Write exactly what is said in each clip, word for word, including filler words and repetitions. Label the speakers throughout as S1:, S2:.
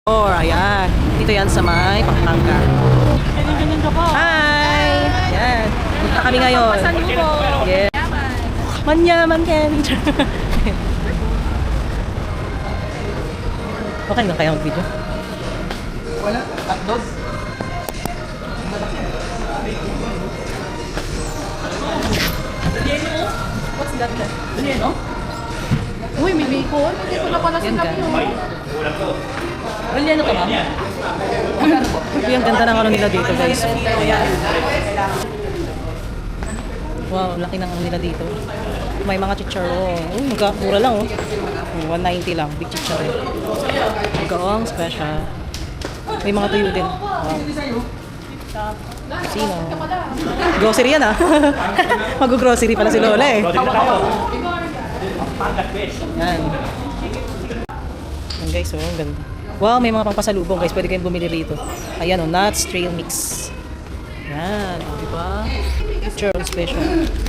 S1: Oh, ayan. Dito yan sa may Pampanga.
S2: Ganyan-ganyan ka po.
S1: Hi! Ayan. Punta kami ngayon.
S2: Pasalubong.
S1: Yeah. Manyaman yan. Okay lang kaya mag-video?
S3: Wala, hotdog.
S2: What's that? Ano? Uy, may bacon. Hindi ko na pala sila yun.
S1: Relyano ka, ma'am? Magkano po? Uy, ang ganda ng ano nila dito, guys. Ayan. Wow, laki ng ano nila dito. May mga chicharon. Uy, magkakura lang, oh. one ninety lang, big chicharon. Gaong special. May mga tuyo din. Wow. Sino? Grocery yan, ah. Mag-grocery pala si Lola, eh. Yan. Yan, guys, oh, ang ganda. Wow, may mga pangpasalubong, guys. Pwede kayong bumili rito. Ayan, oh, nuts trail mix. Yan, oh, diba? Churro special.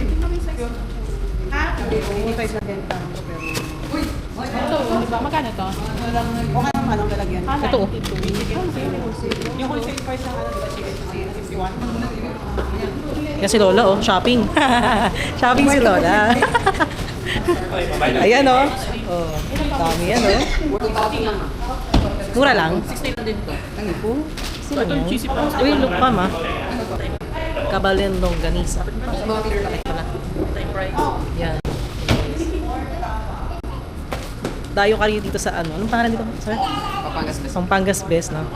S2: Ito, di ba? Magkano to?
S3: Okay naman, anong lalagyan?
S1: Ito, oh.
S3: Yung wholesale price ng ano, diba, fifty-one?
S1: Yan si Lola, oh. Shopping. Shopping si Lola. Ayan, oh. Oh, dami yan, oh. Mura lang.
S2: sixty na din to.
S1: Ano po? Sino yan? Uy, look pa, ma. Kabalendong ganisa. Bakit pala? Yan. Dayo kayo dito sa ano? Anong pangalan dito? Sorry?
S3: Papangas best.
S1: Pampangas Best, no?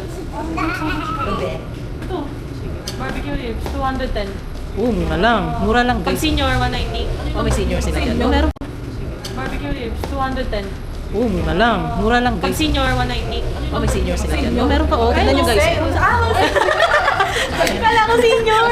S2: Ito. Barbecue ribs, two hundred ten.
S1: Oo, mura lang. Mura lang,
S2: Pag
S1: guys.
S2: senior, one ninety.
S1: Oh, may senior sila dyan. Oh, meron.
S2: Barbecue ribs, two hundred ten.
S1: Oo, mura lang. Mura lang,
S2: Pag
S1: guys.
S2: senior, one ninety.
S1: Oh, may senior sila dyan. Oh, meron pa, oh. Tignan nyo, guys.
S2: Kala ko senior!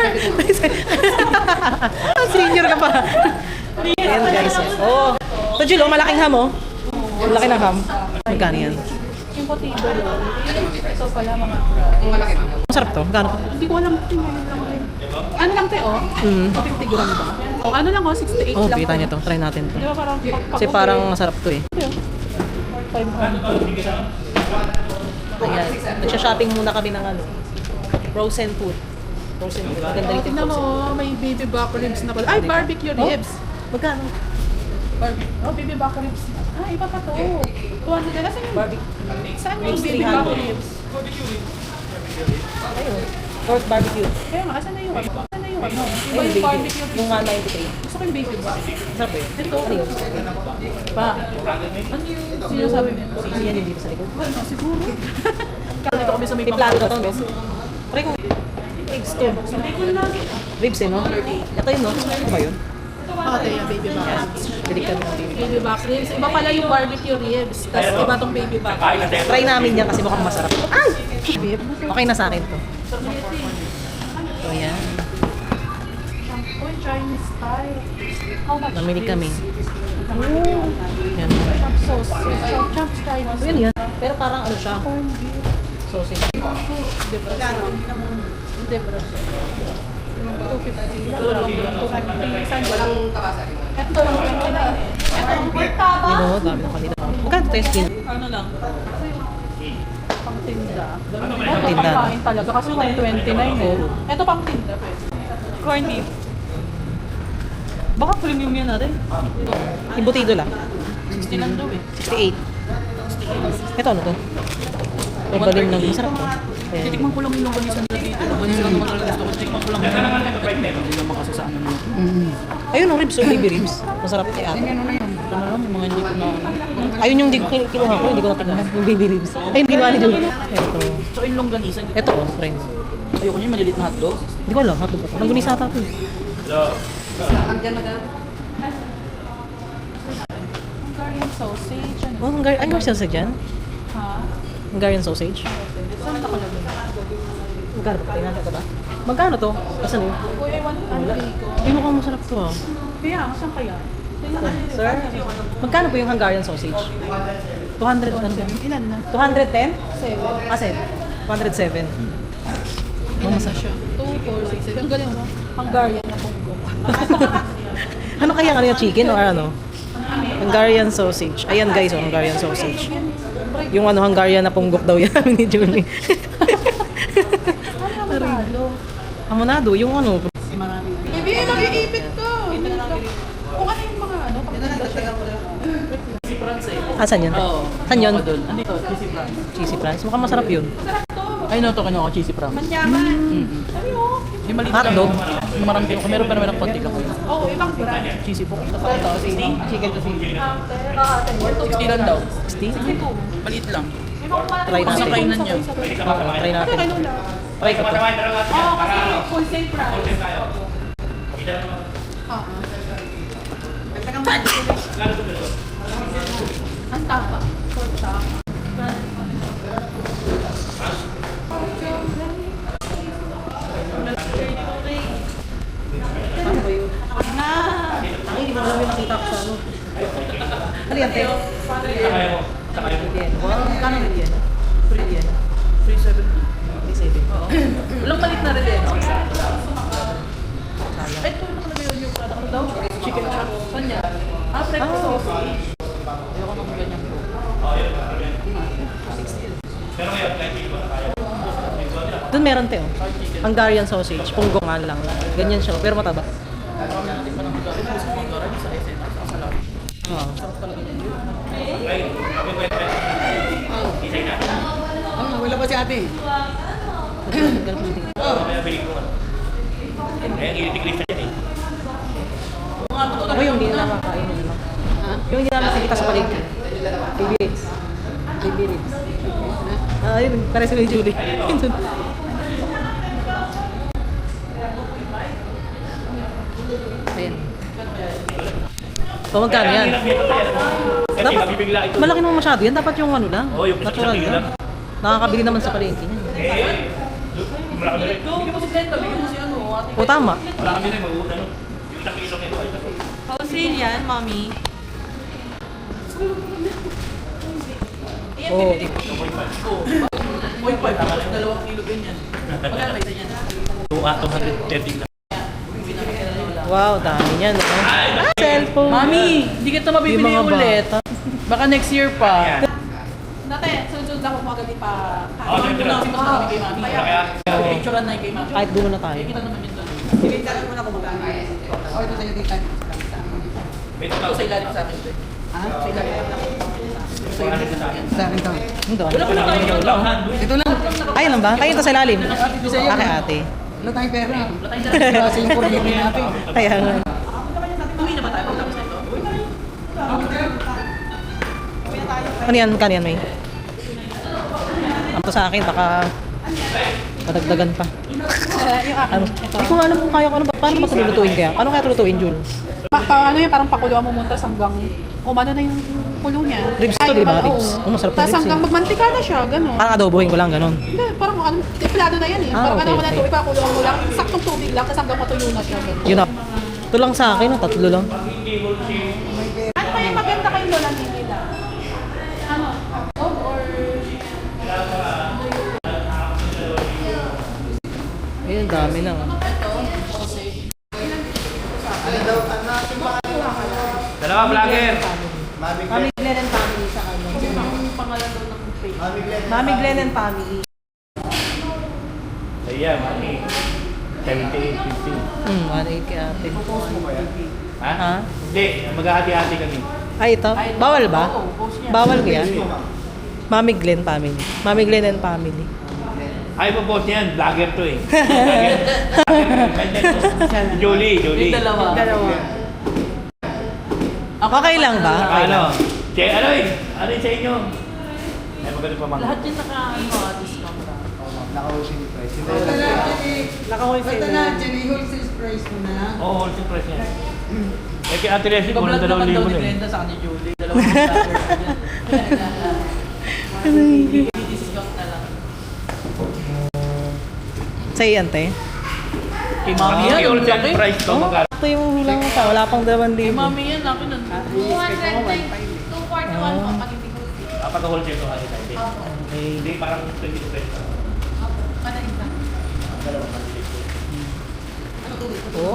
S1: Senior ka pa. Ayan, guys. Oh. Ito, Jill, oh, malaking ham, oh. Ang laki ng ham. Magkano yan?
S2: Yung potato roll. Ito pala mga...
S3: Yung malaki na.
S1: Masarap to. Magkano?
S2: Hindi ko alam ito ngayon lang rin. Ano lang te, oh?
S1: Mm.
S2: fifty gram ba? O ano lang, oh? sixty-eight
S1: Oh,
S2: lang.
S1: kita niyo to. Try natin to.
S2: Di ba parang... pag-
S1: Kasi
S2: pag-
S1: parang masarap to, eh.
S2: five hundred.
S1: Ayan. Nagsha-shopping muna kami ng ano. Frozen food. Frozen food. Maganda
S2: Oh,
S1: rito yung
S2: tingnan mo,
S1: frozen.
S2: oh, may baby back ribs na pala. Ay, barbecue
S1: Oh?
S2: ribs.
S1: Magkano?
S2: Barbecue. Oh, baby back ribs. Ah, iba pa to. two hundred. Nasaan yung...
S1: Barbecue.
S2: Saan yung
S1: Ribs,
S2: baby
S1: three
S2: back
S1: hundred.
S2: ribs?
S1: Ayun. Pork barbecue.
S2: Kaya nga, asan na yung... Asan na yung ano? Iba
S1: Ayun,
S2: yung
S1: baby.
S2: barbecue ribs.
S1: Yung one ninety-three.
S2: Gusto ko yung baby back.
S1: Masarap eh.
S2: Ito.
S1: Ano yun?
S2: Pa. Ano yung sinasabi mo?
S1: Sisi yan yung dito sa likod.
S2: Ano, siguro. Kala dito kami sa may
S1: May plato na to, no? Pare ko. Ribs to.
S2: Hindi ko lang.
S1: Ribs eh, no? Ito yun, no? Ano ba yun?
S2: Ah, ito yung baby back ribs.
S1: Bili kami ng baby.
S2: Baby back ribs. Iba pala yung barbecue ribs. Tapos iba tong baby back ribs.
S1: Try namin yan kasi mukhang masarap. Ay!
S2: Babe,
S1: Okay na sa akin to. So, yan.
S2: Uy, Chinese style. How much?
S1: Namili kami.
S2: Oh,
S1: Yan.
S2: chop sauce. Chop, chop style.
S1: So, yun yan. Pero parang ano siya? Sausage.
S2: Debra. Debra. two fifty. two fifty. Saan ba? Ito lang. Ito lang.
S1: You know, dami ng kanila. Magkano tayo skin?
S2: Ano lang? Pang tinda.
S1: Pang tinda.
S2: Ito pang talaga kasi one twenty-nine eh. Ito pang tinda. Corn beef. Baka premium yan natin.
S1: Imbutido lang.
S2: sixty lang daw eh.
S1: sixty-eight. Ito ano to? Pagbalim ng masarap to. Ayan.
S2: Titikman ko lang yung longganisa nila dito. Longganisa lang naman talaga gusto ko. Titikman ko lang. Hindi naman kasi sa ano nila.
S1: Ayun, ang ribs, oh, baby ribs. Masarap kay ate.
S2: Ano lang, yung mga hindi ko na...
S1: Ayun yung di ko kin- kinuha ko, hindi ko natingnan. Yung baby ribs. Ay, hindi kinuha ni Julie. Ito.
S2: So, yung longganisa.
S1: Ito, oh, friends.
S2: Ayoko niyo maliliit na hotdog.
S1: Hindi ko alam, hotdog pa. Nanggunis ata ito. eh.
S2: Hungarian sausage. Ano?
S1: Oh, Hungar ay, may sausage dyan?
S2: Ha?
S1: Hungarian sausage?
S2: Saan nakalagay?
S1: Magkano ba? Tingnan ka ba? Magkano to? Asan yun?
S2: Uy, I want ano ko.
S1: Ay, mukhang masarap to ah.
S2: Kaya, saan kaya?
S1: Sir, magkano po yung Hungarian sausage? two hundred, ano ba?
S2: Ilan na?
S1: two hundred ten?
S2: Seven.
S1: Ah, seven. two hundred seven.
S2: Ilan na siya? Two, four, six, seven. Ang galing mo. Hungarian na Congo.
S1: Ano kaya ano yung chicken or ano? Hungarian sausage. Ayan guys, oh, Hungarian sausage. Yung ano, Hungarian na punggok daw yan ni Julie. Amonado, yung ano.
S2: Baby, mag-iipit ko. Kung ano yung mga ano,
S1: Asan yun?
S3: Oo.
S1: Saan yun?
S3: Ako doon. Andito, cheesy prawns.
S1: Cheesy prawns. Mukhang masarap yun.
S3: Ay, no, to kinuha ko cheesy prawns.
S2: manyaman.
S3: Mm-hmm.
S2: Sabi mo?
S3: Yung maliit
S1: Hotdog?
S3: Yung marami ko. Meron pa naman ng konti ka po.
S2: Oo, ibang brand.
S3: Cheesy po. Ito, sixty. Chicken to sixty. sixty lang daw.
S1: Steve?
S3: Maliit lang.
S1: Try
S3: Kung sa
S1: natin.
S3: kainan niya.
S1: Oo, try natin. Try ko to.
S2: Oo, kasi full same price. Ang tapa. Full tapa.
S1: Paano ba yun? Ay, hindi mo alam yung nakita ko sa ano. Ano yan, te? Yan. Wow, kano rin yan? Free yan.
S3: three seventy.
S1: three seventy.
S3: Walang maliit na rin eh. no? Ay, ito nakalagay yun yung ano daw? Chicken chop. Saan yan? Ah, breakfast sausage. Ayoko nang ganyan po.
S1: Doon meron, te, oh. Hungarian sausage. Punggongan lang. Ganyan siya, pero mataba.
S3: Hindi pa nang magkakaroon. Gusto ko magkakaroon sa S N S. Sa salami.
S1: Oo.
S3: Sarap talaga yun.
S4: Ah, wala pa si ate.
S1: Ako yung hindi na nakakain mo naman. Yung hindi na nakikita sa palengke. Baby ribs. Baby ribs. Ah, yun. Pare si Julie. Ayan. So, magkano yan? Dapat, malaki naman masyado yan. Dapat yung ano lang. Natural lang. Nakakabili naman sa palengke niya.
S3: Bigyan mo si Glenda. Bigyan mo si ano. Ate.
S1: O, tama.
S2: Wholesale yan, mommy.
S1: Oo.
S3: Point five. Tapos dalawang kilo ganyan. Magkano isa yan?
S5: two hundred thirty lang.
S1: Wow, dami niyan. No? Ah, cellphone.
S3: Mami, hindi kita mabibili
S1: Yung mga
S3: ulit.
S1: bata.
S3: Baka next year pa.
S2: Dati, sunod ako magaling pa.
S5: Oh,
S3: Ano
S5: sige,
S3: na
S5: sige.
S3: mas marami kay Mami.
S5: Kaya,
S3: Picturean na yung kay Mami.
S1: Kahit dulo na tayo.
S3: Kita naman yun doon.
S4: Sige, tanong mo na kung magkano. Oh, ito sa'yo dito.
S5: wait
S3: Ito sa ilalim sa akin. ito eh.
S4: Ha?
S3: Sa ilalim lang. Sa ilalim sa akin.
S4: Sa akin to.
S1: Ito.
S3: Wala pa na tayo.
S4: Ito lang.
S1: Ay, lang ba? Kayo ito sa ilalim. Ate, ate.
S4: Wala tayong pera.
S3: Wala tayong dala.
S4: Kasi yung kuryente natin.
S1: Kaya nga.
S3: Uwi na ba tayo pagtapos na ito?
S1: Ano yan? Kano yan, May? Ang to sa akin, baka madagdagan pa. Ano? Hindi ko nga alam kung kaya ko ano ba. Paano ba ito lulutuin kaya? Ano kaya ito lutuin, Jul?
S2: Pa, pa, ano yan, parang pakuluan mo muntas hanggang umano na yung kulo niya.
S1: Ribs to,
S2: Ay,
S1: di ba?
S2: oo.
S1: Ribs. Oh, masarap yung
S2: Tapos
S1: ribs,
S2: hanggang
S1: eh.
S2: magmantika na siya, gano'n.
S1: Parang adobohin ko lang, ganun.
S2: Hindi, parang ano, templado na yan eh.
S1: Ah,
S2: parang
S1: okay,
S2: ano mo na
S1: okay.
S2: ito, ipakuluan mo lang, saktong tubig lang, tapos hanggang matuyo na siya. Ganun.
S1: Yun na. Ito lang sa akin, oh, tatlo lang.
S2: Ano kaya maganda kayo lola nila? Ano? Dog or...
S1: Ayun, dami lang.
S5: dalawa vlogger.
S1: Mami Glenn and family sa kanya.
S3: Ang pangalan daw ng page.
S1: Mami Glenn and family.
S5: Ayan, mami. seventy-eight fifty.
S1: Hmm, one eighty ate.
S5: Ha?
S1: Ha?
S5: Hindi, maghahati-hati kami.
S1: Ay, ito? Bawal ba? Bawal ko yan? Mami Glenn family. Mami Glenn and family.
S5: Ay, po boss niyan, vlogger to eh. Julie, Julie.
S3: Yung dalawa.
S1: Dalawa. Okay lang ba? Okay
S5: Ano?
S1: lang.
S5: Che, ano eh? Ano yun sa inyo? Ay, maganda pa mga.
S3: Lahat yun naka, ano, ah, discount na.
S4: Naka-wholesale price.
S1: Naka-wholesale.
S4: Basta na, Jenny, wholesale price mo na lang.
S5: Oo, oh, wholesale price niya. Eh, kay Ate Leslie, kung
S3: Iba-vlog
S5: dalawang
S3: naman daw
S5: libo
S3: ni
S5: na eh.
S3: Glenda sa kanya Julie. Dalawang vloggers. Discount na lang.
S1: Sa'yo yan, te?
S3: Kay Mami yan,
S5: Kay
S3: ang
S5: wholesale
S3: laki.
S5: price to,
S1: Oh,
S5: magkano?
S1: ito yung hulang pa. Wala pang dalawang
S3: Kay
S1: libo.
S3: Mami yan, laki nun.
S2: two forty-one po pag hindi ko.
S5: Ah, pag-wholesale to kasi tayo.
S1: Okay.
S5: Hindi, parang twenty pesos.
S2: Ano isa?
S5: Dalawang malilit ko.
S1: Oo.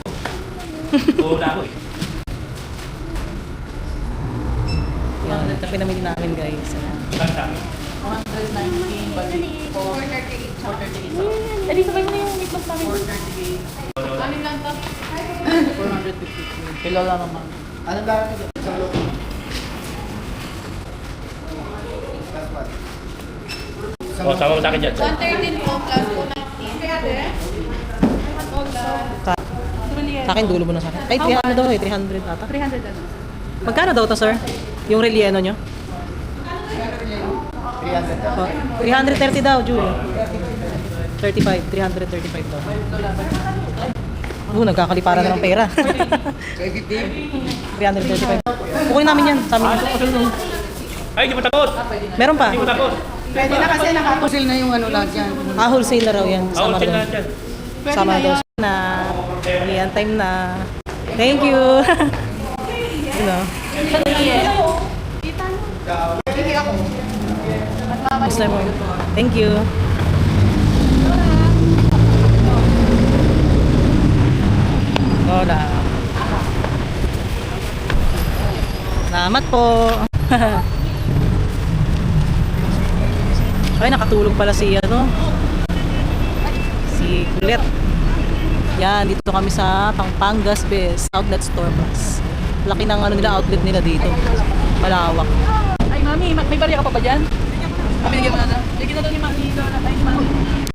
S5: Oo, na ako eh.
S1: Yan. pinamili namin guys. Ayan.
S3: one nineteen, bali four thirty-eight. Eh, di sabay mo na yung meatloaf namin. four thirty-eight. Anin lang to? four fifty-two. Kilala naman.
S4: Ano ba ito? Sa loob.
S5: O, sama mo sa akin dyan.
S2: one thirteen po plus two nineteen. Kaya din?
S1: Sa, sa akin, dulo mo na sa akin. Ay, three hundred daw eh. three hundred ata.
S2: three hundred ano?
S1: Magkano daw to, sir? Yung relleno nyo?
S4: three hundred.
S1: Oh, three hundred thirty daw, Julie. thirty-five. three hundred thirty-five daw. Oo, nagkakaliparan na ng pera. three hundred thirty-five. Kukunin namin yan. Sa amin.
S5: Ay, di mo tapos!
S1: Meron pa.
S5: Di mo tapos!
S4: Pwede na kasi nakatusil na yung ano lang yan.
S1: Ah, wholesale na raw yan.
S5: Ako,
S1: Sama
S5: chill
S1: daw.
S5: na dyan.
S1: Sama daw siya na. Ayan, time na. Thank you. You know. Basta mo. Thank you. Hola. Salamat po. Ay, nakatulog pala si ano. Si Kulit. Yan, dito kami sa Pampangas Best Outlet Store Plus. Laki ng ano nila, outlet nila dito. Malawak.
S3: Ay, mami, may barya ka pa ba dyan? Binigyan mo na na. Bigyan na daw ni mami. Ay, ni mami.